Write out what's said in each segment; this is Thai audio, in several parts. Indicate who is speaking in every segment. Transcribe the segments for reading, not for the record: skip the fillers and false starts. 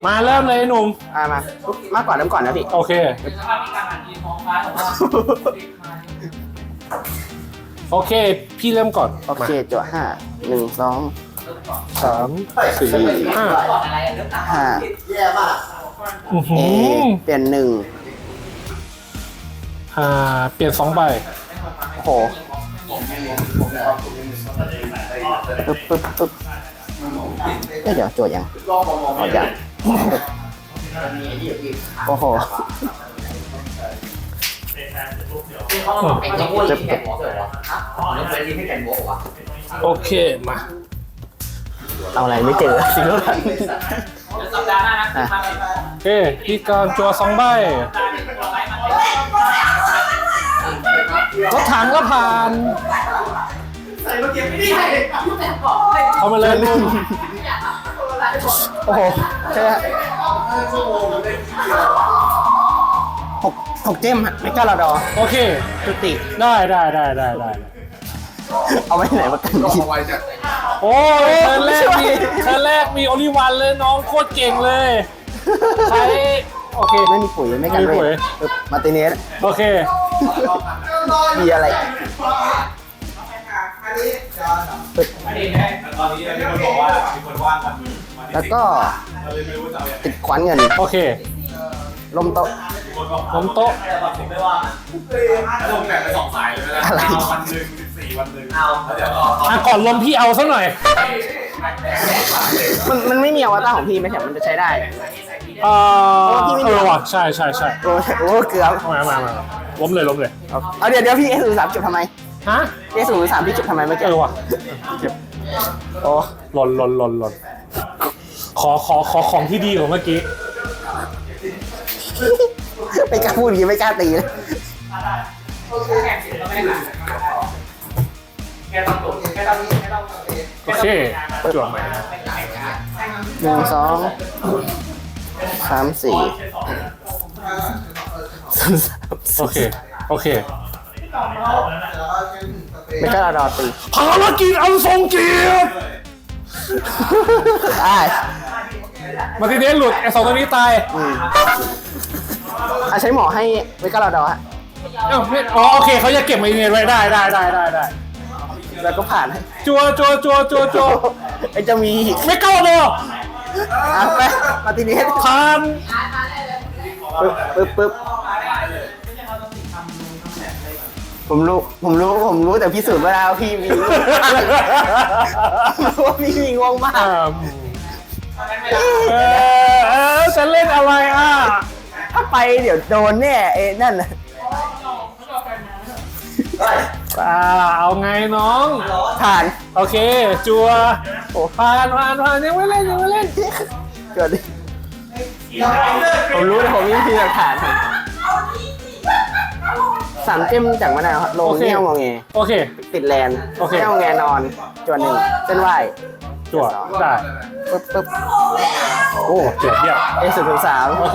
Speaker 1: มาเริ่มเลยหนุ่ม
Speaker 2: มาก่อนเริ่มก่อนนะพี่
Speaker 1: โอเคโอเคพี่เริ่มก่อน
Speaker 2: โอเคจั่วห้า1 2
Speaker 1: 3 4 5
Speaker 2: 5
Speaker 1: อื้อหือ
Speaker 2: เปลี่ยน1
Speaker 1: เปลี่ยน2ใบ
Speaker 2: โอ้โหปึ๊บเดี๋ยวจั่วยังเอายังโอ้โห
Speaker 1: โอเคมา
Speaker 2: เอาอะไรไม่เจอสิลูกอ่ะ
Speaker 1: โอเคพี่กรจัว2ใบรถถังก็ผ่านเอามาเลยนุ่ม
Speaker 2: โอ้โหใช่หกเจมไม่กล้าเราดอ
Speaker 1: โอเค
Speaker 2: จุติ
Speaker 1: ได้
Speaker 2: เอาไว้ไหนมากันดี
Speaker 1: โอ้ยเทิร์นแรกมีโอลิวันเลยน้องโคตรเก่งเลยใช้โอเค
Speaker 2: ไม่มีปุ๋ยไม่กัน
Speaker 1: ไม่มีปุ๋
Speaker 2: เลย ยมาร์ติเนส
Speaker 1: โอเค
Speaker 2: มีอะไร แล้วก็ติดขวัญเงิน
Speaker 1: โอเค
Speaker 2: ลมโต๊ะ
Speaker 1: ล้มโต๊ะ
Speaker 3: ลงแบบไป2 สายเลยนะวันหนึ่ง14 วันหนึ่งแล้วเดี๋ยวก็
Speaker 1: ก่อนลมพี่เอาซะหน่อย
Speaker 2: มันไม่มีอวตารของพี่ไหมแถมมันจะใช้ได้
Speaker 1: ว่ะใช่
Speaker 2: โอ้เกือบ
Speaker 1: มาล้มเลย
Speaker 2: เอาเดี๋ยวพี่เอศูนย์สามจุดทำไม
Speaker 1: ฮะ
Speaker 2: เอศูนย์สามพี่จุดทำไมเมื่อกี้
Speaker 1: ว่ะ
Speaker 2: โอ้
Speaker 1: หล่นขอของที่ดีของเมื่อกี้
Speaker 2: ไม่กล้าพูดอย่างนี้ไม่กล้าตีเลย
Speaker 1: โอเคจวดใหม่
Speaker 2: 1 2 3 4
Speaker 1: โอเค
Speaker 2: ไม่กล้ารอตี
Speaker 1: ภารกิจอันทรงเกียรติ มาทีเดนหลุดไอ้2ตัวนี้ตาย
Speaker 2: ใช้หมอให้ไม่กล้ารอดอฮะ
Speaker 1: โอเคเขาจะเก็บมาเงินไว้ได้
Speaker 2: แล้วก็ผ่านให้
Speaker 1: จัว
Speaker 2: ไอ้จะมีอีก
Speaker 1: ไม่เข้าเนอะ
Speaker 2: ไปมาตีนี้
Speaker 1: ผ่าน
Speaker 2: ปึ๊บผมรู้แต่พิสูจน์มาแล้วพี่มีรู้ว่าพี่มีงวงมาก
Speaker 1: จะเล่นอะไรอ่ะ
Speaker 2: ถ้าไปเดี๋ยวโดนแน่นั่นน่ะ
Speaker 1: เอาไงน้อง
Speaker 2: ผ่าน
Speaker 1: โอเค จัวโอ้ผ่านยังไม่เล่น
Speaker 2: เกิดดิผมรู้แต่ผมไม่มีหลักฐาน3 เจมจากมะนาวครับลงเงี้ยวงอแง
Speaker 1: โอเค
Speaker 2: ติดแลน
Speaker 1: โอเค
Speaker 2: เงี้ยวงอแงนอนจวน1เส้นไหว
Speaker 1: จัวได้
Speaker 2: ปึ๊บ
Speaker 1: โอ้เจ็บเยี่ยม
Speaker 2: A003
Speaker 1: โอเค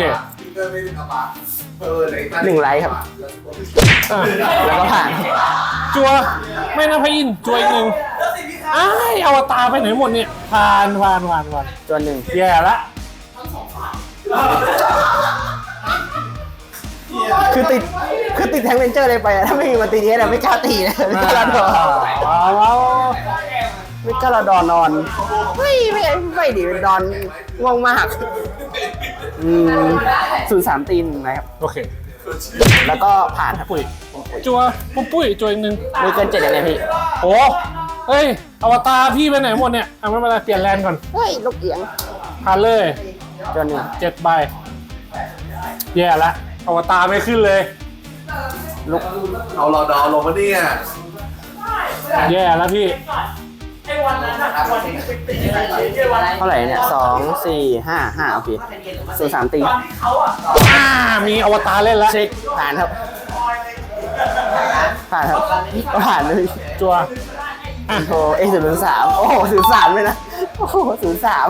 Speaker 2: 1 ไลค์ครับ แล้วก็ผ่าน
Speaker 1: จัวไม่นะพระอินทร์จัวอีกหนึ่งอวตารไปไหนหมดเนี่ยผ่าน
Speaker 2: จวน1
Speaker 1: แย่ละ
Speaker 2: คือติดแทงเลนเจอร์เลยไปอะถ้าไม่มีมาตีนี้ไม่กล้าตีเลยไม่กล้าดอนไม่กล้าดอนนอนไม่ดิเป็นดอนง่วงมาก03 ตีนนะครับ
Speaker 1: โอเค
Speaker 2: แล้วก็ผ่านครับ
Speaker 1: ปุ้ยจัวปุ้ยจัวอีกหนึ่ง
Speaker 2: มีเกิน7ยังไงพี่
Speaker 1: โอ้เฮ้ยอวตารพี่ไปไหนหมดเนี่ยไม่เป็นไรเปลี่ยนแลนด์ก่อน
Speaker 2: เฮ้ยลูกเอียง
Speaker 1: ผ่านเลย
Speaker 2: จวน1
Speaker 1: 7 ใบแย่ละอวตารไม่ขึ้นเลย
Speaker 2: ลูก
Speaker 3: เอารอดอลงมาเนี่ย
Speaker 1: แย่แล้วพี่
Speaker 2: เท่าไหร่เนี่ย2 4 5 โอเค03 ตี
Speaker 1: มีอวตารเล่นแล้ว
Speaker 2: เช็คผ่านครับผ่านเลย
Speaker 1: จัว
Speaker 2: โอ้A003โอ้โห03เลยนะโอ้โห03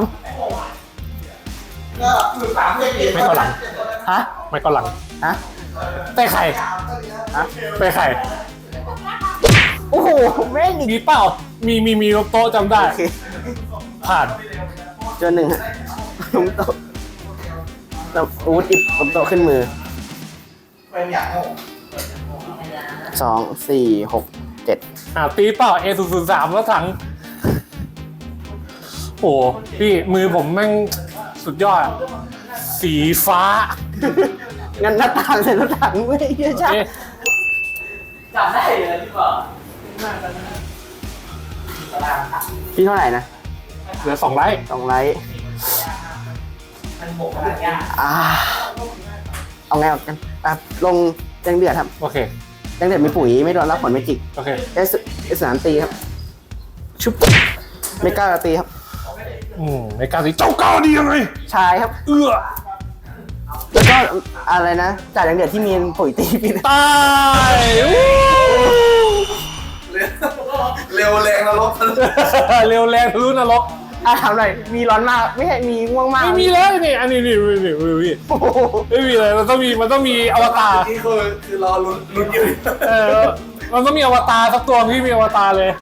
Speaker 1: ไม่เข้าหลัง
Speaker 2: ฮะ
Speaker 1: ไม่เข้าหลัง
Speaker 2: ฮะ
Speaker 1: เตะไข่
Speaker 2: ฮะ
Speaker 1: เตะไข่
Speaker 2: โอ้โหแม่งอีก
Speaker 1: มีเปล่ามีโต๊ะจำได้
Speaker 2: โอเค
Speaker 1: ผ่าน
Speaker 2: จน1ฮะลุงโตะแล้วอาวุธอิบกับโตะขึ้นมือ
Speaker 3: เป็นอย่างโง่
Speaker 2: 2 4 6 7
Speaker 1: ตีเปล่า A003 แล้วถังโอ้พี่มือผมแม่งสุดยอด สีฟ้า
Speaker 2: งั้นหน้าต่างเสร็จหน้าต่างไม่เยอะจ้ะ
Speaker 1: เอ๊ะ
Speaker 3: จำได้เลยที่บอก
Speaker 2: พี่เท่าไหร่นะ
Speaker 1: เหลือ2 ไลท์
Speaker 2: 2 ไลท์
Speaker 3: มันโหมกันยาก
Speaker 2: เอาไงเอากันลงแจ้งเดือดครับ
Speaker 1: โอเค
Speaker 2: แจ้งเดือดมีปุ๋ยไม่โดนรับผลไม่จิก
Speaker 1: โอเค
Speaker 2: สนามตีครับ ชุบไม่กล้าตีครับ
Speaker 1: ในการสีเจ้าก้าวดียังไง
Speaker 2: ชายครับ
Speaker 1: เอื้อ
Speaker 2: แล้วก็อะไรนะจ่ายแจ้งเดือดที่มีปุ๋ยตีพี่
Speaker 1: ตายอู้
Speaker 3: เร็วแรงนรก
Speaker 1: เร็วแรงทะลุนรก
Speaker 2: ถามหน่อยมีร้อนมากไม่ใช่มีง่วงมาก
Speaker 1: ไม่มีเลยนี่อันนี้นี่พี่
Speaker 2: โอ้โห
Speaker 1: ไม่มีเลยมันต้องมีอวตาร
Speaker 3: นี่คือรอลุ้นอยู่
Speaker 1: มันต้องมีอวตารสักตัวพี่มีอวตารเลย